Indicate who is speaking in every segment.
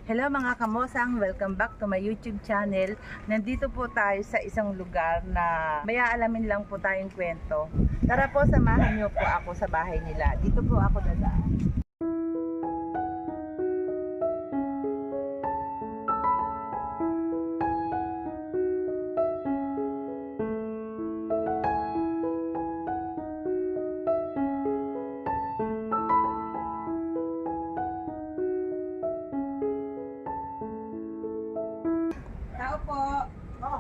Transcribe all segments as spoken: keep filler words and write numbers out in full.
Speaker 1: Hello mga kamosang, welcome back to my YouTube channel. Nandito po tayo sa isang lugar na may aalamin lang po tayong kwento. Tara po, samahan niyo po ako sa bahay nila. Dito po ako dadaan. Tao po. Oh.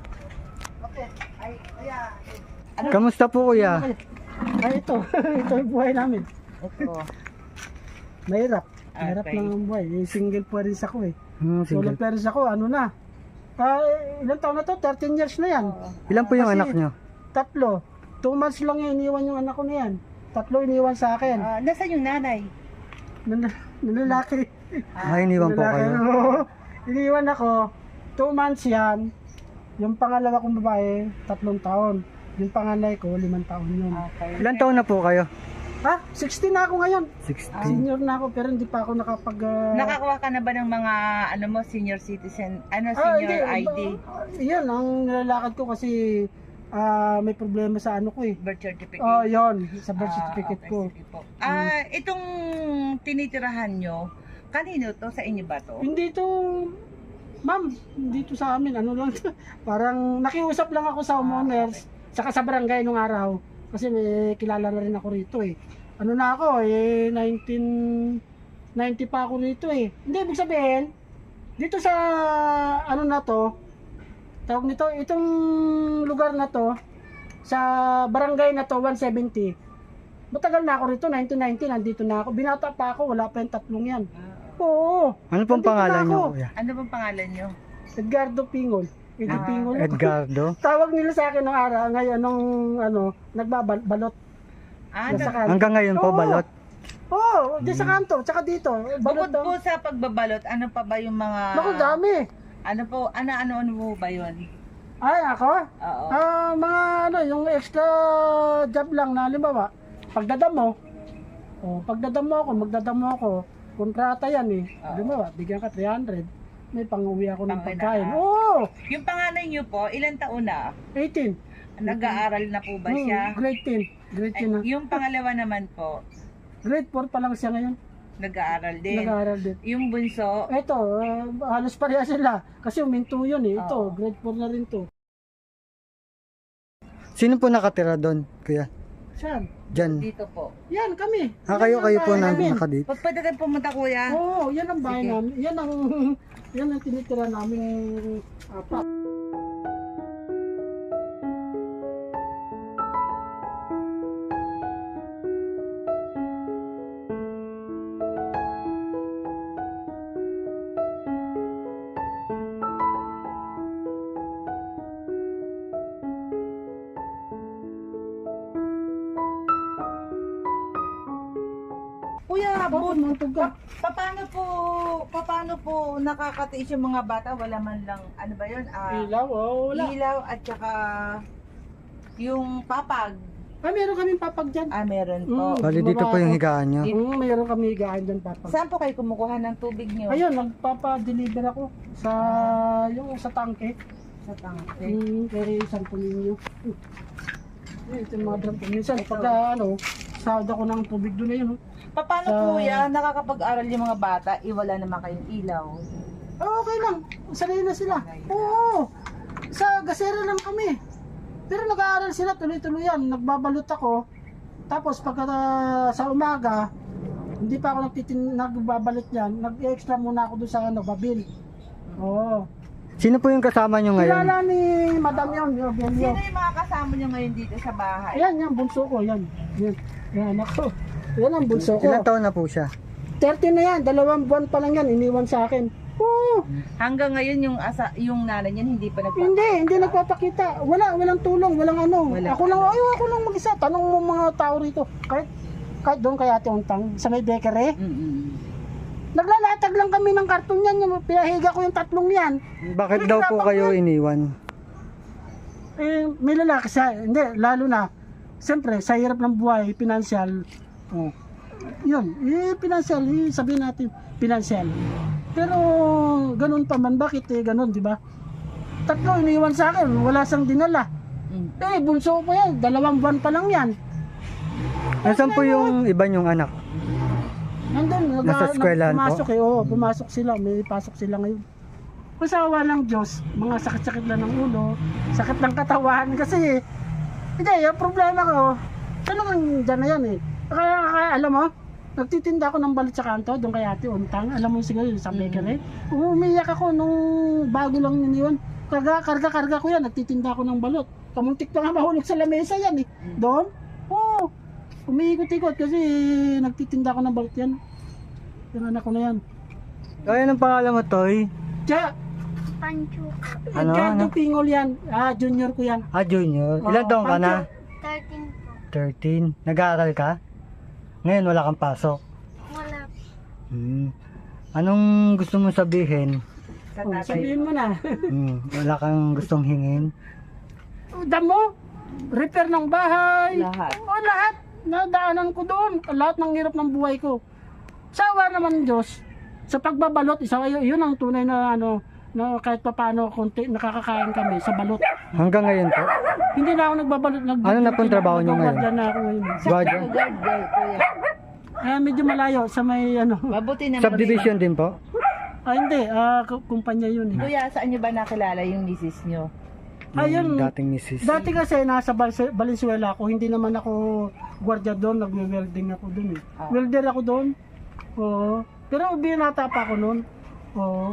Speaker 1: Okay. Ay, kuya. Ano?
Speaker 2: Kamusta po kuya?
Speaker 3: Ay, ito. Ito yung buhay namin.
Speaker 1: Ito.
Speaker 3: Mahirap. Mahirap
Speaker 1: Okay.
Speaker 3: lang ang buhay. Eh, single parents ako eh.
Speaker 2: Hmm,
Speaker 3: Solo
Speaker 2: single.
Speaker 3: parents ako, ano na. Ah, ilang taon na to? thirteen years na yan.
Speaker 2: Ilan po yung
Speaker 3: Kasi-
Speaker 2: anak nyo?
Speaker 3: Tatlo. Two months lang yan, iniwan yung anak ko na yan. Tatlo iniwan sa akin.
Speaker 1: Ah, nasaan yung nanay?
Speaker 3: Nan nanlalaki.
Speaker 2: Ay, iniwan po
Speaker 3: Nanlalaki.
Speaker 2: kayo.
Speaker 3: Oo. Iniwan ako. Two months yan. Yung pangalawa kong babae, tatlong taon. Yung panganay ko, limang taon yun.
Speaker 1: Okay.
Speaker 2: Ilan taon na po kayo?
Speaker 3: Ha? sixteen na ako ngayon.
Speaker 2: sixteen.
Speaker 3: Senior na ako pero hindi pa ako nakapag... ah,
Speaker 1: Nakakuha ka na ba ng mga ano mo senior citizen, ano
Speaker 3: Ah,
Speaker 1: senior
Speaker 3: hindi.
Speaker 1: I D,
Speaker 3: Ba- Yan, ang nilalakad ko kasi ah, may problema sa ano ko eh.
Speaker 1: birth certificate?
Speaker 3: Oh, yon sa birth
Speaker 1: Ah,
Speaker 3: certificate
Speaker 1: okay,
Speaker 3: ko.
Speaker 1: sige po. Ah, itong tinitirahan nyo, kanino to? Sa inyo ba to?
Speaker 3: Hindi to, ma'am, hindi to sa amin. Ano lang, to, parang nakiusap lang ako sa homeowners, saka sa barangay nung araw. Kasi may kilala na rin ako rito eh. Ano na ako eh, nineteen ninety pa ako rito eh. Hindi, ibig sabihin, dito sa ano na to, tawag nito, itong lugar na to, sa barangay na to, one seventy. Matagal na ako rito, nineteen ninety, nandito na ako. Binata pa ako, wala pa yung tatlong yan. Oo.
Speaker 2: Ano pong
Speaker 3: Nandito
Speaker 2: pangalan
Speaker 3: na
Speaker 2: nyo
Speaker 3: ako.
Speaker 2: kuya?
Speaker 1: Ano bang pangalan nyo?
Speaker 3: Edgardo Pingol. Edo
Speaker 1: Ah,
Speaker 3: Pingol.
Speaker 2: Edgardo?
Speaker 3: Tawag nila sa akin nung araw, ngayon, nung ano, nagbabalot.
Speaker 1: Ah,
Speaker 3: Nasa
Speaker 1: nag-
Speaker 3: kanto.
Speaker 2: Hanggang ngayon po
Speaker 3: Oo.
Speaker 2: balot?
Speaker 3: Oo, oh, di sa kanto, tsaka dito.
Speaker 1: bukod
Speaker 3: Balot daw.
Speaker 1: po sa pagbabalot, ano pa ba yung mga...
Speaker 3: Naku, dami.
Speaker 1: Ano po, ano, ano, ano po ba yun?
Speaker 3: Ay, ako?
Speaker 1: Oo.
Speaker 3: Ah, mga ano, yung extra job lang na, halimbawa, pagdadamo. Oh, pagdadamo ako, magdadamo ako. Kontrata yan eh.
Speaker 1: Oo.
Speaker 3: Halimbawa, bigyan ka three hundred. May pang-uwi ako ng
Speaker 1: Pang-ina-
Speaker 3: pagkain.
Speaker 1: ah.
Speaker 3: Oo,
Speaker 1: Yung panganay nyo po, ilang taon na?
Speaker 3: eighteen.
Speaker 1: Nag-aaral na po ba siya?
Speaker 3: Hmm, grade ten. Grade
Speaker 1: Ay,
Speaker 3: ten na.
Speaker 1: yung pangalawa naman po,
Speaker 3: Grade four pa lang siya ngayon.
Speaker 1: nag-aaral din.
Speaker 3: Nag-aaral din.
Speaker 1: Yung bunso,
Speaker 3: Ito, ah, halos pareha sila. Kasi uminto yun eh. Ito,
Speaker 1: Oo.
Speaker 3: grade four na rin to.
Speaker 2: Sino po nakatira doon kuya?
Speaker 3: Saan?
Speaker 2: Diyan.
Speaker 1: dito po.
Speaker 3: Yan, kami.
Speaker 2: Ah,
Speaker 3: Yan
Speaker 2: kayo
Speaker 3: ang
Speaker 2: kayo po
Speaker 3: bahay
Speaker 2: na
Speaker 3: namin.
Speaker 2: nakadito.
Speaker 1: Pag pwede kayo pumunta kuya.
Speaker 3: Oo, yan ang bahay
Speaker 1: Sige.
Speaker 3: namin. Yan ang, yan ang tinitira namin apat.
Speaker 1: Kuya,
Speaker 3: Bakit
Speaker 1: bu-
Speaker 3: mga tuga?
Speaker 1: pa- paano po, paano po nakakatiis yung mga bata? Wala man lang, ano ba yun? Ah,
Speaker 3: Ilaw, oh, wala.
Speaker 1: ilaw at saka yung papag.
Speaker 3: Ah, meron kaming papag dyan.
Speaker 1: Ah, meron po.
Speaker 3: Mm.
Speaker 2: Bali dito po yung higaan nyo.
Speaker 3: Mm, meron kami higaan dyan papag.
Speaker 1: Saan po kayo kumukuha ng tubig niyo?
Speaker 3: Ayun, nagpapa-deliver ako sa, yung sa tangke.
Speaker 1: Sa tangke.
Speaker 3: Mm, kaya isang pulinyo. Eh, ito yung mga drum. Minsan,
Speaker 1: Ito.
Speaker 3: pag ah, ano, sahod ako ng tubig doon na yun. oh.
Speaker 1: Paano
Speaker 3: Sa-
Speaker 1: kuya, nakakapag-aral yung mga bata, iwala naman kayong ilaw?
Speaker 3: Ah, okay lang. Sanay na sila. Oo. Sa gasera lang kami. Pero nag-aaral sila tuloy-tuloy yan. Nagbabalot ako. Tapos pagka ah, sa umaga, hindi pa ako nagtitin nagbabalot yan. Nag-extra muna ako doon sa ano, babil. Oo.
Speaker 2: Sino po yung kasama nyo ngayon?
Speaker 3: Kilala ni Madam yun, yung Belio.
Speaker 1: Sino yung mga kasama niyo ngayon dito sa bahay?
Speaker 3: Ayan, yan, bunso ko, yan. Yan, yan, ako. Yan ang bunso ko.
Speaker 2: Ilan taon na po siya?
Speaker 3: thirty na yan, dalawang buwan pa lang yan, iniwan sa akin. Oo.
Speaker 1: Hanggang ngayon yung asa yung nanay niyan hindi pa nagpa.
Speaker 3: Hindi, hindi nagpapakita. Wala, walang tulong, walang ano.
Speaker 1: Wala.
Speaker 3: Ako lang, ay, ako lang mag-isa. Tanong mo mga tao rito. Kahit, kahit doon kay Ate Untang, sa may bakery.
Speaker 1: Mm-mm.
Speaker 3: Naglalatag lang kami ng karton yan. Yung pinahiga ko yung tatlong yan.
Speaker 2: Bakit daw po kayo iniwan?
Speaker 3: Eh, may lalaki sa, hindi, lalo na. Siyempre, sa hirap ng buhay, financial. Oh. Yun, eh, financial, eh, sabihin natin, financial. Pero ganun pa man, bakit eh ganun, di ba? Tatlo iniwan sa akin, wala sang dinala.
Speaker 1: Mm.
Speaker 3: Eh, bunso ko yan, dalawang buwan pa lang yan.
Speaker 2: Nasaan po yung iba niyong anak?
Speaker 3: Nandun, nag,
Speaker 2: Nasa eskwelahan po?
Speaker 3: pumasok eh, oo, pumasok sila, may pasok sila ngayon. Kasawa ng Diyos, mga sakit-sakit lang ng ulo, sakit ng katawan, kasi, hindi, yung problema ko, talagang dyan na yan eh. Kaya, kaya alam mo, nagtitinda ako ng balut sa kanto, doon kay Ate Untang, alam mo siguro yung sa bakery. Umiyak ako nung bago lang yun yun. Karga, karga, karga ko yan, nagtitinda ako ng balot. Kamuntik pa nga mahulog sa lamesa yan eh. Doon, oo, umiikot-ikot kasi nagtitinda ako ng balot yan. Yung anak ko na yan.
Speaker 2: Kaya ng pangalan mo, Toy?
Speaker 3: Tiya,
Speaker 4: Pancho.
Speaker 2: Ano,
Speaker 3: Edgardo
Speaker 2: ano?
Speaker 3: Pingol yan. Ah, junior ko yan.
Speaker 2: Ah, junior. Ilan
Speaker 3: Oo,
Speaker 2: taong ka na?
Speaker 4: thirteen po.
Speaker 2: thirteen. Nag-aaral ka? Ngayon wala kang pasok.
Speaker 4: Wala.
Speaker 2: Hmm. Anong gusto mong sabihin?
Speaker 1: Sa
Speaker 3: Oh,
Speaker 1: tatay.
Speaker 3: sabihin mo na.
Speaker 2: Hmm. Wala kang gustong hingin?
Speaker 3: Damo, repair ng bahay.
Speaker 1: Lahat.
Speaker 3: O lahat. Nadaanan ko doon. Lahat ng hirap ng buhay ko. Sawa naman ng Diyos. Sa pagbabalot, isa yun ang tunay na ano, na kahit pa paano konti nakakakain kami sa balot.
Speaker 2: Hanggang ngayon po?
Speaker 3: Hindi na ako nagbabalot. Nag
Speaker 2: Ano na pong trabaho niyo ngayon?
Speaker 3: Nagbabalot na ako ngayon.
Speaker 2: Guardian?
Speaker 1: Guard girl, kuya.
Speaker 3: Eh, medyo malayo sa may ano.
Speaker 1: Mabuti naman.
Speaker 2: Subdivision din po?
Speaker 3: Ah, hindi. Ah, k- kumpanya yun eh.
Speaker 1: Kuya, saan nyo ba nakilala yung misis nyo?
Speaker 3: Ayun.
Speaker 2: Yung dating misis.
Speaker 3: Dati kasi nasa Bal- Valenzuela ako, hindi naman ako gwardiya doon, nagwe-welding ako doon eh.
Speaker 1: Ah.
Speaker 3: Welder ako doon. Oo. Pero binata pa ako noon. Oo.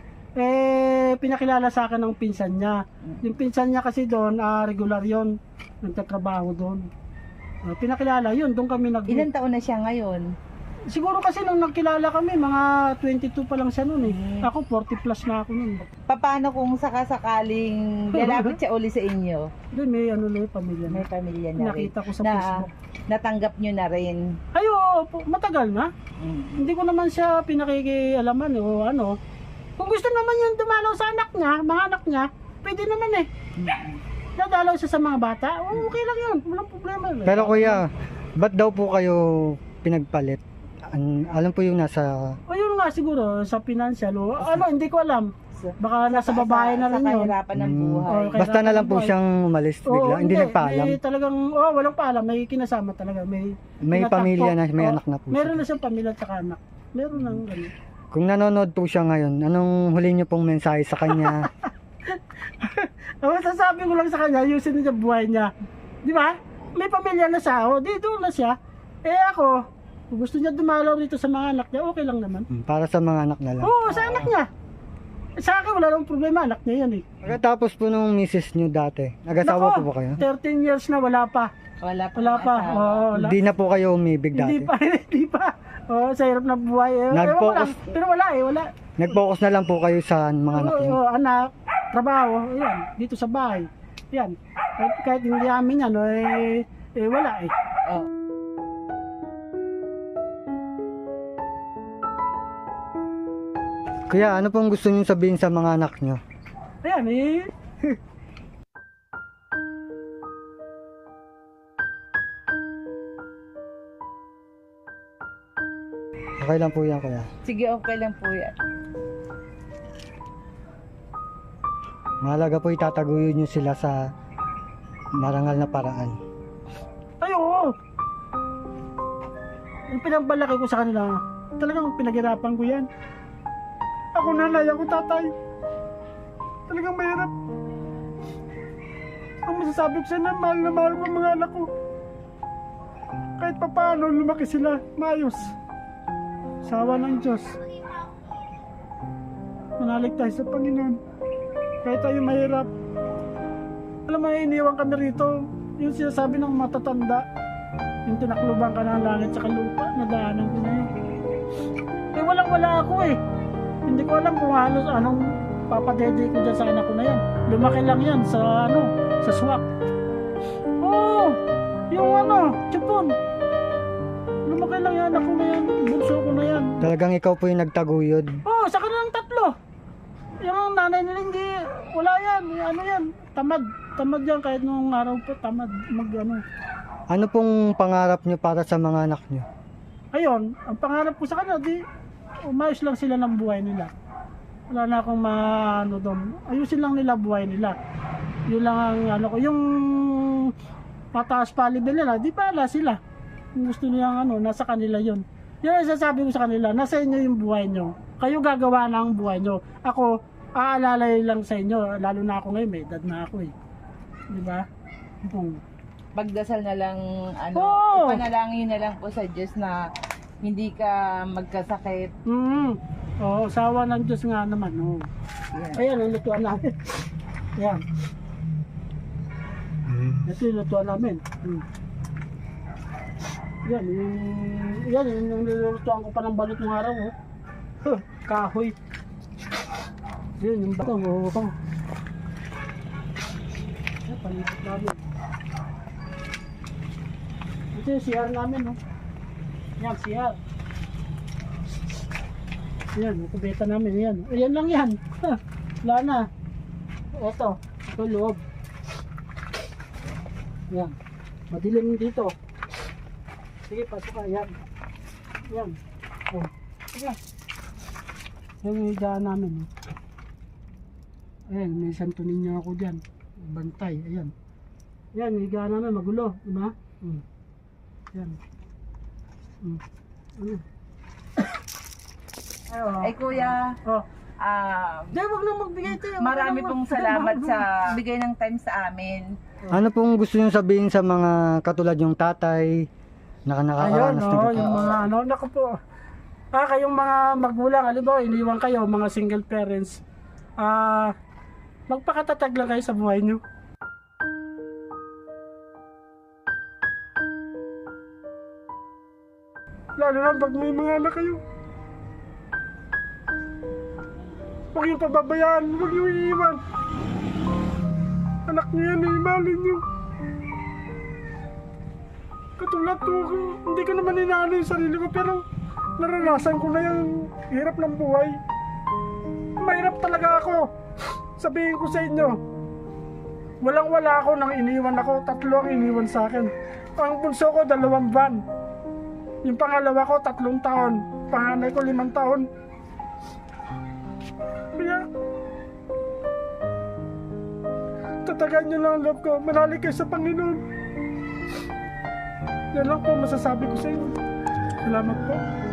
Speaker 3: Eh, pinakilala sa akin ng pinsan niya. Yung pinsan niya kasi doon, ah, regular yon, nagtatrabaho doon. Ah, pinakilala yun, doon kami nag...
Speaker 1: Ilan taon na siya ngayon?
Speaker 3: Siguro kasi nung nagkilala kami, mga twenty-two pa lang siya noon eh. Ako forty plus na ako noon.
Speaker 1: Paano kung sakasakaling lalapit siya uli sa inyo?
Speaker 3: Doon may ano na yung pamilya na.
Speaker 1: May pamilya na rin.
Speaker 3: Nakita ko sa
Speaker 1: Na
Speaker 3: Facebook.
Speaker 1: natanggap nyo na rin.
Speaker 3: Ay, oo, po, matagal na.
Speaker 1: Mm.
Speaker 3: Hindi ko naman siya pinakikialaman eh, o ano. Kung gusto naman yung dumalaw sa anak niya, mga anak niya, pwede naman eh. Dadalaw siya sa mga bata, oh, okay lang yun, walang problema. Eh.
Speaker 2: Pero kuya, ba't daw po kayo pinagpalit? An alam po yung nasa...
Speaker 3: O yun nga siguro, sa financial, o ano, hindi ko alam.
Speaker 1: Sa-
Speaker 3: Baka nasa babae na rin
Speaker 1: Sa
Speaker 3: yun.
Speaker 1: kahirapan ng
Speaker 2: Hmm.
Speaker 1: buhay.
Speaker 3: Oh, kaya-
Speaker 2: Basta na lang po siyang umalis
Speaker 3: Oo,
Speaker 2: bigla. hindi nagpaalam.
Speaker 3: May talagang, oh, walang paalam, may kinasama talaga. May,
Speaker 2: May
Speaker 3: tinatakbo.
Speaker 2: pamilya na, may
Speaker 3: Oo,
Speaker 2: anak na po
Speaker 3: Meron
Speaker 2: siya.
Speaker 3: na siyang pamilya at saka anak. Meron nang gano'n.
Speaker 2: Kung nanonood po siya ngayon, anong huli niyo pong mensahe sa kanya?
Speaker 3: Ang masasabi ko lang sa kanya, ayusin niya buhay niya. Di ba? May pamilya na siya, o di doon na siya. Eh ako, kung gusto niya dumalaw rito sa mga anak niya, okay lang naman.
Speaker 2: Hmm, Para sa mga anak na lang.
Speaker 3: Oo, sa anak niya. Sa akin wala nang problema, anak niya yan eh.
Speaker 2: Pagkatapos po nung misis niyo dati, nag-asawa po
Speaker 3: Nako,
Speaker 2: ba kayo?
Speaker 3: thirteen years na wala pa.
Speaker 1: Wala pa.
Speaker 3: Wala pa.
Speaker 1: asawa.
Speaker 3: Oo, wala.
Speaker 2: Hindi na po kayo umibig
Speaker 3: Hindi
Speaker 2: dati.
Speaker 3: pa, hindi pa. Oo, sa hirap na buhay. Eh, ewan ko
Speaker 2: Nag-focus-
Speaker 3: lang. Pero wala eh, wala.
Speaker 2: Nag-focus na lang po kayo sa mga anak
Speaker 3: Oo,
Speaker 2: niyo.
Speaker 3: oo, anak, trabaho, yan, dito sa bahay. Yan. Kahit, kahit hindi amin yan, eh, eh wala eh.
Speaker 1: Oh.
Speaker 2: Kuya, ano pong gusto niyo sabihin sa mga anak niyo?
Speaker 3: Ayan eh.
Speaker 2: Okay lang po yan, kuya.
Speaker 1: Sige, okay lang po yan.
Speaker 2: Mahalaga po itataguyod niyo sila sa marangal na paraan.
Speaker 3: Ay, oo. Yung pinagbalaki ko sa kanila, talagang pinaghirapan ko yan. Ako nanay, ako tatay. Talagang mahirap. Ang masasabi ko sa na, mahal na mahal ko ang mga anak ko. Kahit pa paano, lumaki sila, maayos. Sawa ng Diyos. Manalig tayo sa Panginoon. Kahit tayo mahirap. Alam mo, iniwan kami rito. Yung sinasabi ng matatanda. Yung tinakluban ka ng langit sa lupa. Nadaanan ko na yun. Eh, walang wala ako eh. Hindi ko alam kung halos anong papadede ko dyan sa anak ko na yan. Lumaki lang yan sa ano, sa swak. Oo, yung ano, chupon. Lumaki lang yan anak ko na yan. Bunso ko na yan.
Speaker 2: Talagang ikaw po yung nagtaguyod.
Speaker 3: Oo, sa kanilang tatlo. Yung nanay nila hindi, wala yan. Ano yan, tamad. Tamad yan kahit nung araw po, tamad mag ano.
Speaker 2: Ano pong pangarap niyo para sa mga anak niyo?
Speaker 3: Ayun, ang pangarap ko sa kanila, di, umayos lang sila ng buhay nila. Wala na akong maano doon. Ayusin lang nila buhay nila. Yun lang ang ano ko. Yung pataas palibel nila, di pala sila. Kung gusto nilang ano, nasa kanila yun. Yun ang sasabi ko sa kanila, nasa inyo yung buhay nyo. Kayo gagawa na ang buhay nyo. Ako, aalalay lang sa inyo. Lalo na ako ngayon, may edad na ako eh. Di ba? Hmm.
Speaker 1: Pagdasal na lang, ano,
Speaker 3: Oo.
Speaker 1: ipanalangin na lang po sa Diyos na hindi ka magkasakit.
Speaker 3: Mm. Oo, sawa ng Diyos nga naman. Oo.
Speaker 1: Yan.
Speaker 3: Ayan, ang lutuan namin. Ayan. Ito yung lutuan namin. Hmm. Yan, yung, yan, yung, yung nilulutuan ko pa ng balot ng araw. Oh. Huh, kahoy. Yan, yung bato. Oh, oh. Yan, palipat namin. Ito yung C R namin. Oh. Yan, C R. Yan, yung kubeta namin. Yan. Ayan lang yan. Ha, wala na. Ito, ito loob. Yan. Madilim dito. Sige, pasok ka. Yan. Yan. Oh. Sige. Yan yung higaan namin. Oh. Ayan, may santunin niya ako dyan. Bantay. Ayan. Yan, yung higaan namin. Magulo. Diba? Hmm. Yan. Hmm. Ano? Ay, oh.
Speaker 1: Ay kuya,
Speaker 3: Oh.
Speaker 1: ah,
Speaker 3: Di, wag na magbigay tayo.
Speaker 1: marami pong salamat sa bigay ng time sa amin.
Speaker 2: Ano pong gusto nyo sabihin sa mga katulad yung tatay na
Speaker 3: Ayun,
Speaker 2: nakakaranas
Speaker 3: no,
Speaker 2: na ganito?
Speaker 3: yung mga ano, naku po. Ah, kayong mga magulang, halimbawa, iniwan kayo, mga single parents. Ah, magpakatatag lang kayo sa buhay nyo. Lalo na pag may mga anak kayo. Huwag yung pababayaan, huwag yung iiwan. Anak nyo yan, iimalin nyo. Katulad ko, hindi ko naman inaano yung sarili ko, pero naranasan ko na yung hirap ng buhay. Mahirap talaga ako. Sabihin ko sa inyo, walang wala ako nang iniwan ako, tatlo ang iniwan sa akin. Ang bunso ko, dalawang van. Yung pangalawa ko, tatlong taon. Panganay ko, limang taon. Kaya, tatagan nyo lang ang loob ko. Manali kayo sa Panginoon. Yan lang po masasabi ko sa inyo. Salamat po.